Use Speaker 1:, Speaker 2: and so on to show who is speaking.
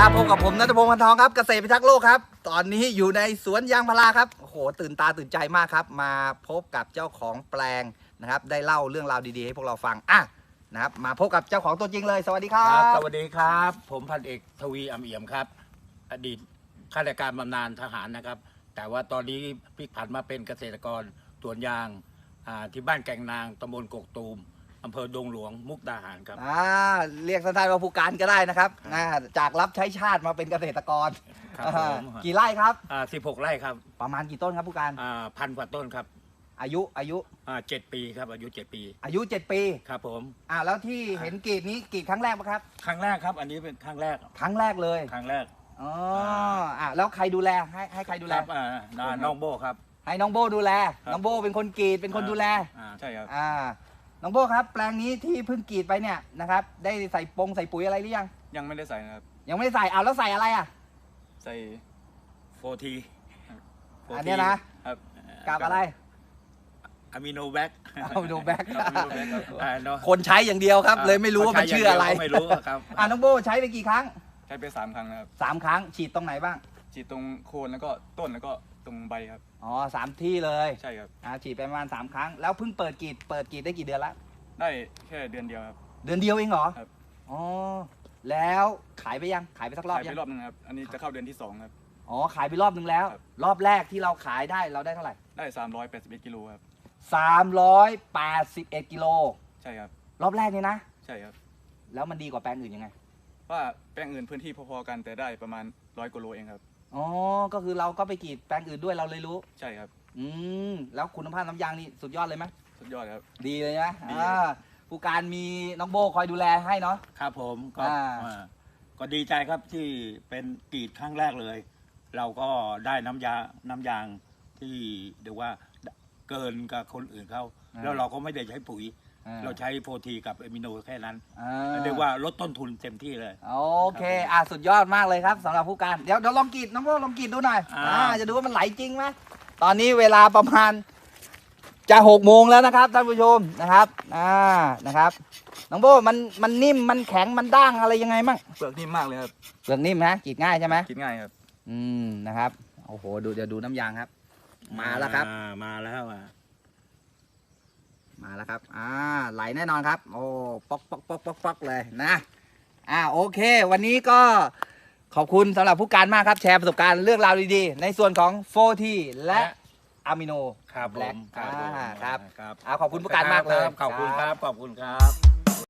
Speaker 1: ครับพบกับผมณัฐพงศ์ พันทองครับเกษตรพิทักษ์โลกครับตอนนี้อยู่ในสวนยางพาราครับโอ้โหตื่นตาตื่นใจมากครับมาพบกับเจ้าของแปลงนะครับได้เล่าเรื่องราวดีๆให้พวกเราฟังนะครับมาพบกับเจ้าของตัวจริงเลยสวัสดีครับ
Speaker 2: สวัสดีครับผมพันเอกทวีอำเอี่ยมครับอดีตข้าราชการบำนาญทหารนะครับแต่ว่าตอนนี้พลิกผันมาเป็นเกษตรกรสวนยางที่บ้านแก่งนางตำบลกกตูมอำเภอดงหลวงมุกดาหารครับ
Speaker 1: เรียกสั้นๆว่าผู้การก็ได้นะครับจากรับใช้ชาติมาเป็นเกษตรกรกี่ไร่ครับ
Speaker 2: 16 ไร่ครับ
Speaker 1: ประมาณกี่ต้นครับผู้การ
Speaker 2: 1,000 กว่าต้นครับ
Speaker 1: อายุ
Speaker 2: 7 ปีครับอายุ7 ปี
Speaker 1: 7 ปี
Speaker 2: ครับผม
Speaker 1: แล้วที่เห็นกรีดนี้กรีดครั้งแรกปะครับ
Speaker 2: ครั้งแรกครับอันนี้เป็นครั้งแรก
Speaker 1: เลย
Speaker 2: ครั้งแรก
Speaker 1: แล้วใครดูแลให้ใครดูแล
Speaker 2: น้องโบครับ
Speaker 1: ให้น้องโบดูแลน้องโบเป็นคนกรีดเป็นคนดูแล
Speaker 2: ใช่ครับ
Speaker 1: น้องโบครับแปลงนี้ที่เพิ่งกรีดไปเนี่ยนะครับได้ใส่ปุ๋ยอะไรหรือยัง
Speaker 3: ยังไม่ได้ใส่นะครับ
Speaker 1: ยังไม่ได้ใส่แล้วใส่อะไร
Speaker 3: ใส่
Speaker 2: 4T
Speaker 1: อันนี้นะครับกับอะไร
Speaker 2: อะมิโนแบ็ก
Speaker 1: คนใช้อย่างเดียวครับเลยไม่รู้ว่ามันชื่ออะไร
Speaker 2: ไม่รู้ครับ
Speaker 1: น้องโบใช้ไปกี่ครั้ง
Speaker 3: ใช้ไป3 ครั้งนะครับ
Speaker 1: 3 ครั้งฉีดตรงไหนบ้าง
Speaker 3: ฉีดตรงโคนแล้วก็ต้นแล้วก็ตรงใบครับ
Speaker 1: 3 ที่เลย
Speaker 3: ใช่ครับ
Speaker 1: ฉีดไปประมาณ3 ครั้งแล้วเพิ่งเปิดกรีดได้กี่เดือนละ
Speaker 3: ได้แค่เดือนเดียวครับ
Speaker 1: เดือนเดียวเองเหรอ
Speaker 3: ครับ
Speaker 1: แล้วขายไปยังขายไปสักรอบยัง
Speaker 3: ขายไปรอบนึงครับอันนี้จะเข้าเดือนที่2ครับ
Speaker 1: ขายไปรอบนึงแล้วรอบแรกที่เราขายได้เราได้เท่าไหร่
Speaker 3: ได้381 กิโลครับ
Speaker 1: 381 กิโล
Speaker 3: ใช่ครับ
Speaker 1: รอบแรกนี่นะ
Speaker 3: ใช่ครับ
Speaker 1: แล้วมันดีกว่าแปลงอื่นยังไง
Speaker 3: ว่าแปลงอื่นพื้นที่พอๆกันแต่ได้ประมาณ100 กว่าโลเองครับ
Speaker 1: ก็คือเราก็ไปกรีดแปลงอื่นด้วยเราเลยรู้
Speaker 3: ใช่ครับ
Speaker 1: แล้วคุณภาพน้ำยางนี่สุดยอดเลยไหม
Speaker 3: สุดยอดครับ
Speaker 1: ดีเลยนะผู้การมีน้องโบคอยดูแลให้เนาะ
Speaker 2: ครับผมก็ดีใจครับที่เป็นกรีดครั้งแรกเลยเราก็ได้น้ำยางที่เรียกว่าเกินกับคนอื่นเขาแล้วเราก็ไม่ได้ใช้ปุ๋ยเราใช้4Tกับอะมิโนแค่นั้นเรียกว่าลดต้นทุนเต็มที่เลย
Speaker 1: โอเคสุดยอดมากเลยครับสำหรับผู้การเดี๋ยวลองกรีดน้องโบลองกรีดดูหน่อยจะดูว่ามันไหลจริงไหมตอนนี้เวลาประมาณจะ6 โมงแล้วนะครับท่านผู้ชมนะครับนะครับน้องโบมันนิ่มมันแข็งมันด้างอะไรยังไงมั่ง
Speaker 3: เปลือกนิ่มมากเลยครับ
Speaker 1: เปลือกนิ่มนะกรีดง่ายใช่ไหม
Speaker 3: กรีดง่ายครับ
Speaker 1: นะครับโอ้โหเดี๋ยวดูน้ำยางครับมาแล้วครับ
Speaker 2: มาแล้ว
Speaker 1: ครับไหลแน่นอนครับโอ้ป๊อกเลยนะโอเควันนี้ก็ขอบคุณสำหรับผู้การมากครับแชร์ประสบการณ์เรื่องราวดีๆในส่วนของ4Tและอะมิโน
Speaker 2: ครับผม
Speaker 1: ครับขอบคุณผู้การมากเลย
Speaker 2: ขอบคุณครับ